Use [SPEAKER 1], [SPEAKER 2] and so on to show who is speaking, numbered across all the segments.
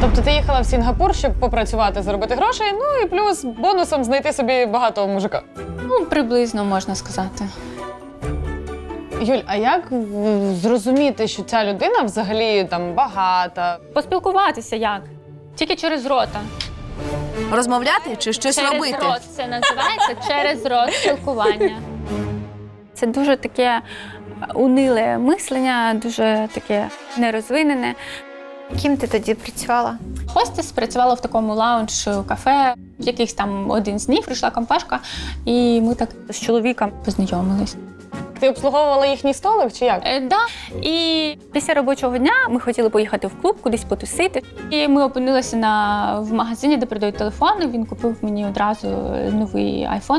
[SPEAKER 1] Тобто ти їхала в Сінгапур, щоб попрацювати, заробити грошей, ну і плюс бонусом знайти собі багатого мужика.
[SPEAKER 2] Ну, приблизно, можна сказати.
[SPEAKER 1] Юль, а як зрозуміти, що ця людина взагалі там багата?
[SPEAKER 2] Поспілкуватися як? Тільки через рота.
[SPEAKER 3] Розмовляти чи щось
[SPEAKER 2] Через
[SPEAKER 3] робити?
[SPEAKER 2] рот це називається, через рот спілкування. Це дуже таке униле мислення, дуже таке нерозвинене.
[SPEAKER 4] Ким ти тоді працювала?
[SPEAKER 2] Хостес працювала в такому лаунж-кафе. В якихось там один з днів прийшла компашка, і ми так з чоловіком познайомились.
[SPEAKER 1] Ти обслуговувала їхній столик чи як?
[SPEAKER 2] Да. І після робочого дня ми хотіли поїхати в клуб, кудись потусити. І ми опинилися в магазині, де продають телефони. Він купив мені одразу новий айфон.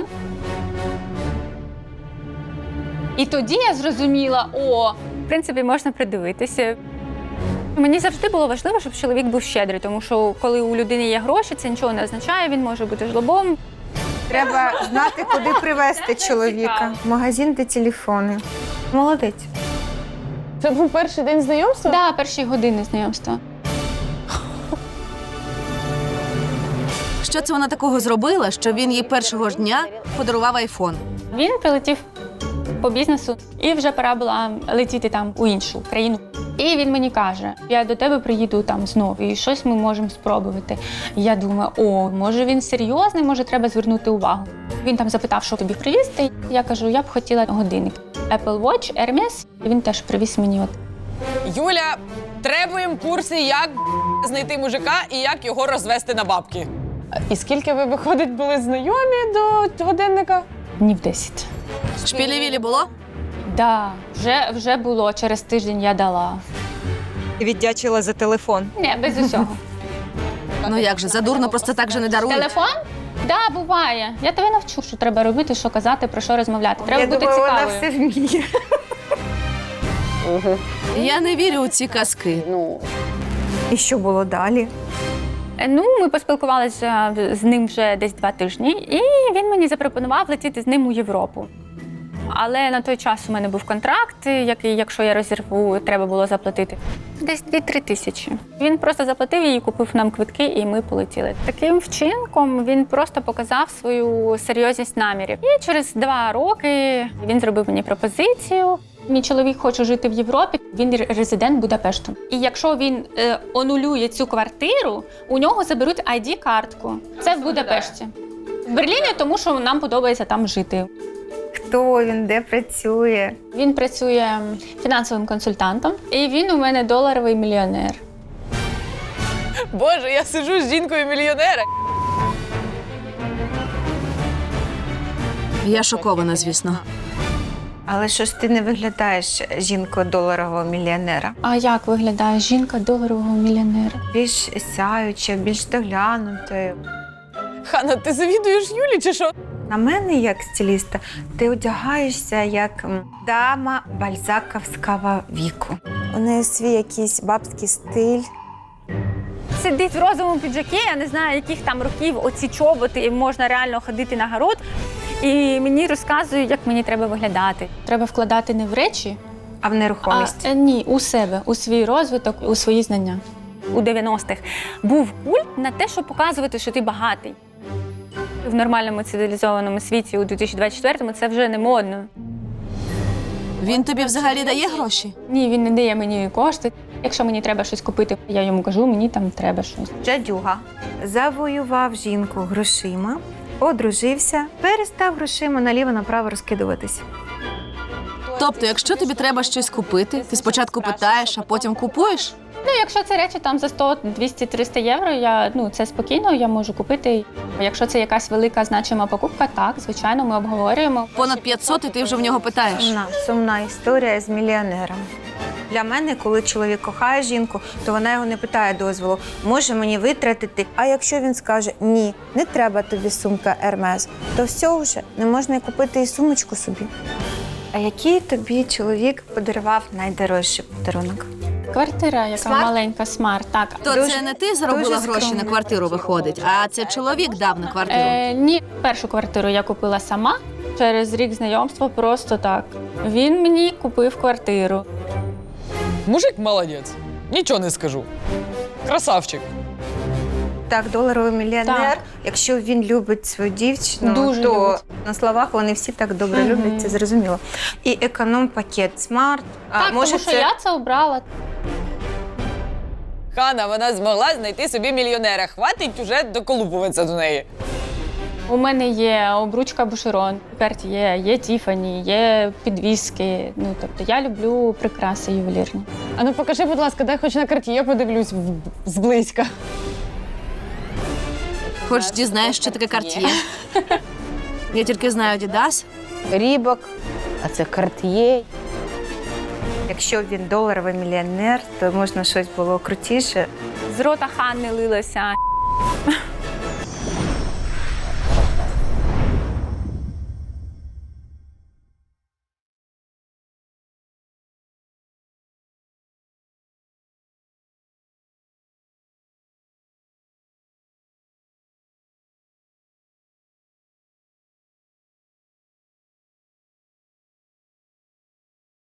[SPEAKER 2] І тоді я зрозуміла, в принципі, можна придивитися. Мені завжди було важливо, щоб чоловік був щедрий, тому що коли у людини є гроші, це нічого не означає, він може бути жлобом.
[SPEAKER 4] Треба знати, куди привезти чоловіка. Магазин, де телефони. Молодець.
[SPEAKER 1] Це був перший день знайомства?
[SPEAKER 2] Так, перші години знайомства.
[SPEAKER 3] Що це вона такого зробила, що він їй першого ж дня подарував айфон?
[SPEAKER 2] Він прилетів по бізнесу, і вже пора була летіти там у іншу країну. І він мені каже, я до тебе приїду там знову, і щось ми можемо спробувати. І я думаю, може він серйозний, може треба звернути увагу. Він там запитав, що тобі привізти. Я кажу, я б хотіла годинник. Apple Watch, Hermes. І він теж привіз мені.
[SPEAKER 5] Юля, требуємо курси, як знайти мужика і як його розвести на бабки.
[SPEAKER 1] І скільки ви, виходить, були знайомі до годинника?
[SPEAKER 2] Днів 10.
[SPEAKER 3] Шпілі-вілі було?
[SPEAKER 2] Да, вже було, через тиждень я дала.
[SPEAKER 6] Віддячила за телефон.
[SPEAKER 2] Ні, без усього.
[SPEAKER 3] Ну як же, задурно просто так же не дарують.
[SPEAKER 2] Телефон? Да, буває. Я тебе навчу, що треба робити, що казати, про що розмовляти. Треба
[SPEAKER 4] Я
[SPEAKER 2] бути
[SPEAKER 4] думаю, вона
[SPEAKER 2] цікавою.
[SPEAKER 4] все вміє.
[SPEAKER 3] Я не вірю у ці казки.
[SPEAKER 4] І що було далі?
[SPEAKER 2] Ну, ми поспілкувалися з ним вже десь 2 тижні, і він мені запропонував летіти з ним у Європу. Але на той час у мене був контракт, який, якщо я розірву, треба було заплатити десь 2-3 тисячі. Він просто заплатив її, купив нам квитки, і ми полетіли. Таким вчинком він просто показав свою серйозність намірів. І через 2 роки він зробив мені пропозицію. Мій чоловік хоче жити в Європі, він резидент Будапешту. І якщо він онулює цю квартиру, у нього заберуть ID-картку. Це в Будапешті. В Берліні, тому що нам подобається там жити.
[SPEAKER 4] Хто він, де працює?
[SPEAKER 2] Він працює фінансовим консультантом, і він у мене доларовий мільйонер.
[SPEAKER 5] Боже, я сиджу з жінкою-мільйонера.
[SPEAKER 3] Я шокована, звісно.
[SPEAKER 4] Але що ж ти не виглядаєш жінкою доларового мільйонера?
[SPEAKER 2] А як виглядає жінка доларового мільйонера?
[SPEAKER 4] Більш сяюча, більш доглянутою.
[SPEAKER 5] Хана, ти завідуєш Юлі чи що?
[SPEAKER 4] На мене, як стиліста, ти одягаєшся як дама бальзаковського віку. У неї свій якийсь бабський стиль.
[SPEAKER 2] Сидить в розовому піджакі, я не знаю, яких там років оці чоботи, і можна реально ходити на город. І мені розказують, як мені треба виглядати. Треба вкладати не в речі,
[SPEAKER 4] А в нерухомість?
[SPEAKER 2] ні, у себе, у свій розвиток, у свої знання. У 90-х був культ на те, щоб показувати, що ти багатий. В нормальному цивілізованому світі у 2024-му це вже не модно.
[SPEAKER 3] Він тобі взагалі дає гроші?
[SPEAKER 2] Ні, він не дає мені кошти. Якщо мені треба щось купити, я йому кажу, мені там треба щось.
[SPEAKER 4] Джадюга завоював жінку грошима, одружився, перестав грошима наліво-направо розкидуватись.
[SPEAKER 3] Тобто, якщо тобі треба щось купити, ти спочатку питаєш, а потім купуєш?
[SPEAKER 2] Ну, якщо це речі там за 100, 200, 300 євро, це спокійно, я можу купити. Якщо це якась велика значима покупка, так, звичайно, ми обговорюємо.
[SPEAKER 3] Понад 500 і ти вже в нього питаєш.
[SPEAKER 4] Сумна історія з мільйонером. Для мене, коли чоловік кохає жінку, то вона його не питає дозволу, може мені витратити. А якщо він скаже, ні, не треба тобі сумка Hermes, то все вже, не можна й купити і сумочку собі. А який тобі чоловік подарував найдорожчий подарунок?
[SPEAKER 2] Квартира, яка
[SPEAKER 4] Смарт?
[SPEAKER 2] маленька, смарт, так.
[SPEAKER 3] То
[SPEAKER 4] Дуже-
[SPEAKER 3] це не ти заробила
[SPEAKER 4] дуже
[SPEAKER 3] гроші
[SPEAKER 4] скромно.
[SPEAKER 3] на квартиру, виходить, а це чоловік дав на квартиру.
[SPEAKER 2] Ні, першу квартиру я купила сама. Через рік знайомства просто так. Він мені купив квартиру.
[SPEAKER 5] Мужик молодець. Нічого не скажу. Красавчик.
[SPEAKER 4] Так, доларовий мільйонер.
[SPEAKER 2] Так.
[SPEAKER 4] Якщо він любить свою дівчину,
[SPEAKER 2] Дуже
[SPEAKER 4] то
[SPEAKER 2] любить.
[SPEAKER 4] на словах вони всі так добре
[SPEAKER 2] Мгм.
[SPEAKER 4] люблять, це зрозуміло. І економ-пакет смарт.
[SPEAKER 2] Так,
[SPEAKER 4] може,
[SPEAKER 2] тому що я це обрала.
[SPEAKER 5] Хана, вона змогла знайти собі мільйонера. Хватить уже доколупуватися до неї.
[SPEAKER 2] У мене є обручка Бушерон, Cartier, є Тіфані, є підвіски. Ну, тобто я люблю прикраси ювелірні.
[SPEAKER 1] А ну покажи, будь ласка, дай хоч на карті, я подивлюсь зблизька.
[SPEAKER 3] Хоч дізнаєш, що таке Cartier. Я тільки знаю Adidas.
[SPEAKER 7] Рібок, а це Cartier.
[SPEAKER 4] якщо він доларовий мільйонер, то можна щось було крутіше.
[SPEAKER 2] З рота Ханни лилося.